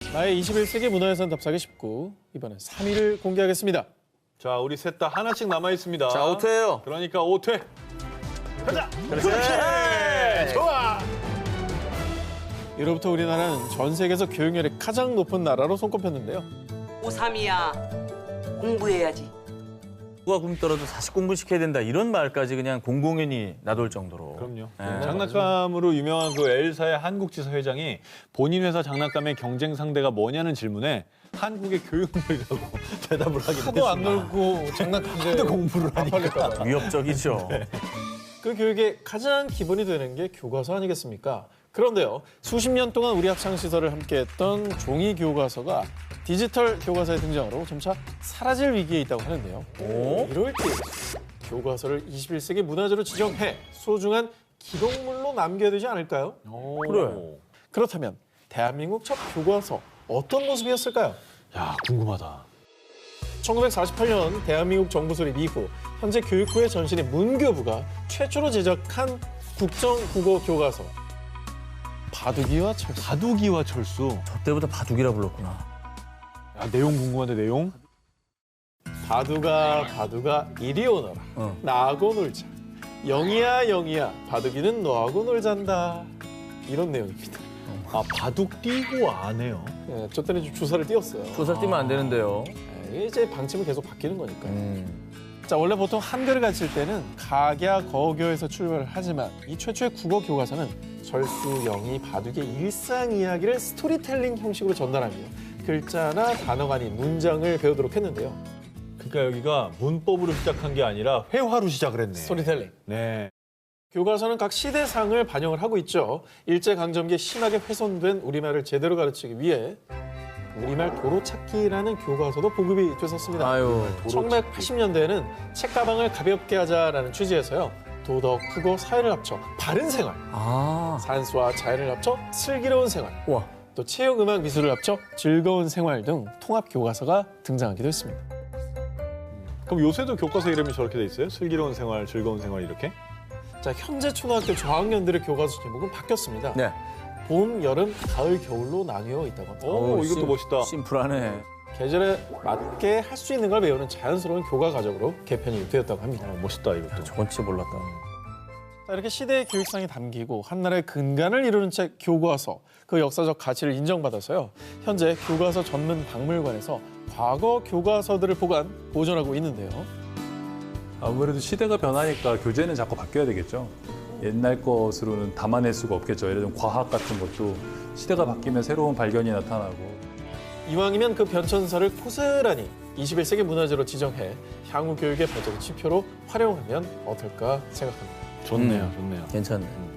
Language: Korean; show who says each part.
Speaker 1: 나의 21세기 문화유산 답사기 19. 이번엔 3위를 공개하겠습니다.
Speaker 2: 자, 우리 셋 다 하나씩 남아 있습니다.
Speaker 3: 자, 5퇴예요.
Speaker 2: 그러니까 5퇴. 가자.
Speaker 3: 그렇지.
Speaker 2: 좋아.
Speaker 1: 이로부터 우리나라는 전 세계에서 교육열이 가장 높은 나라로 손꼽혔는데요.
Speaker 4: 고3이야. 공부해야지.
Speaker 3: 누가 굶더라도 다시 공부시켜야 된다 이런 말까지 그냥 공공연히 나돌 정도로.
Speaker 2: 그럼요.
Speaker 3: 네.
Speaker 2: 장난감으로 유명한 그 엘사의 한국지사 회장이 본인 회사 장난감의 경쟁 상대가 뭐냐는 질문에 한국의 교육열이라고 대답을 하기도 했습니다.
Speaker 1: 하도 안 놀고 장난감인데
Speaker 2: 하도 공부를 하니까.
Speaker 3: 위협적이죠.
Speaker 1: 그 교육의 가장 기본이 되는 게 교과서 아니겠습니까? 그런데요, 수십 년 동안 우리 학창시설을 함께했던 종이 교과서가 디지털 교과서의 등장으로 점차 사라질 위기에 있다고 하는데요. 이럴 때 교과서를 21세기 문화재로 지정해 소중한 기록물로 남겨야 되지 않을까요?
Speaker 3: 그래.
Speaker 1: 그렇다면 대한민국 첫 교과서 어떤 모습이었을까요?
Speaker 2: 야, 궁금하다.
Speaker 1: 1948년 대한민국 정부 수립 이후 현재 교육부의 전신인 문교부가 최초로 제작한 국정국어 교과서 바둑이와 철수.
Speaker 2: 바둑이와 철수.
Speaker 3: 저 때보다 바둑이라 불렀구나.
Speaker 2: 야, 내용 궁금한데 내용?
Speaker 1: 바둑아 이리 오너라.
Speaker 3: 어.
Speaker 1: 나하고 놀자. 영희야 영희야 바둑이는 너하고 놀잔다. 이런 내용입니다.
Speaker 2: 아, 바둑 띄고 안 해요.
Speaker 1: 예, 저 때는 좀 주사를 띄웠어요.
Speaker 3: 조사 뛰면 안 되는데요.
Speaker 1: 예, 이제 방침은 계속 바뀌는 거니까요. 자, 원래 보통 한글을 가르칠 때는 각야, 거교에서 출발을 하지만 이 최초의 국어 교과서는 철수, 영희, 바둑의 일상 이야기를 스토리텔링 형식으로 전달하며 글자나 단어가 아닌 문장을 배우도록 했는데요.
Speaker 2: 그러니까 여기가 문법으로 시작한 게 아니라 회화로 시작을 했네.
Speaker 1: 스토리텔링.
Speaker 2: 네.
Speaker 1: 교과서는 각 시대상을 반영을 하고 있죠. 일제강점기에 심하게 훼손된 우리말을 제대로 가르치기 위해 우리말 도로찾기라는 교과서도 보급이 됐었습니다.
Speaker 3: 아유.
Speaker 1: 1980년대에는 책가방을 가볍게 하자라는 취지에서요. 도덕, 국어, 사회를 합쳐 바른 생활,
Speaker 3: 아.
Speaker 1: 산수와 자연을 합쳐 슬기로운 생활,
Speaker 3: 와.
Speaker 1: 또 체육, 음악, 미술을 합쳐 즐거운 생활 등 통합 교과서가 등장하기도 했습니다.
Speaker 2: 그럼 요새도 교과서 이름이 저렇게 돼 있어요? 슬기로운 생활, 즐거운 생활 이렇게?
Speaker 1: 자, 현재 초등학교 저학년들의 교과서 제목은 바뀌었습니다.
Speaker 3: 네.
Speaker 1: 봄, 여름, 가을, 겨울로 나뉘어 있다고 합니다.
Speaker 2: 오, 이것도 멋있다.
Speaker 3: 심플하네.
Speaker 1: 계절에 맞게 할 수 있는 걸 배우는 자연스러운 교과 과정으로 개편이 되었다고 합니다.
Speaker 2: 멋있다 이것도.
Speaker 3: 저건 진짜 몰랐다.
Speaker 1: 자, 이렇게 시대의 교육상이 담기고 한나라의 근간을 이루는 책 교과서, 그 역사적 가치를 인정받아서요. 현재 교과서 전문 박물관에서 과거 교과서들을 보존하고 있는데요.
Speaker 5: 아무래도 시대가 변하니까 교재는 자꾸 바뀌어야 되겠죠. 옛날 것으로는 담아낼 수가 없겠죠. 예를 들면 과학 같은 것도 시대가 바뀌면 새로운 발견이 나타나고.
Speaker 1: 이왕이면 그 변천사를 고스란히 21세기 문화재로 지정해 향후 교육의 발전의 지표로 활용하면 어떨까 생각합니다.
Speaker 2: 좋네요, 좋네요.
Speaker 3: 괜찮네.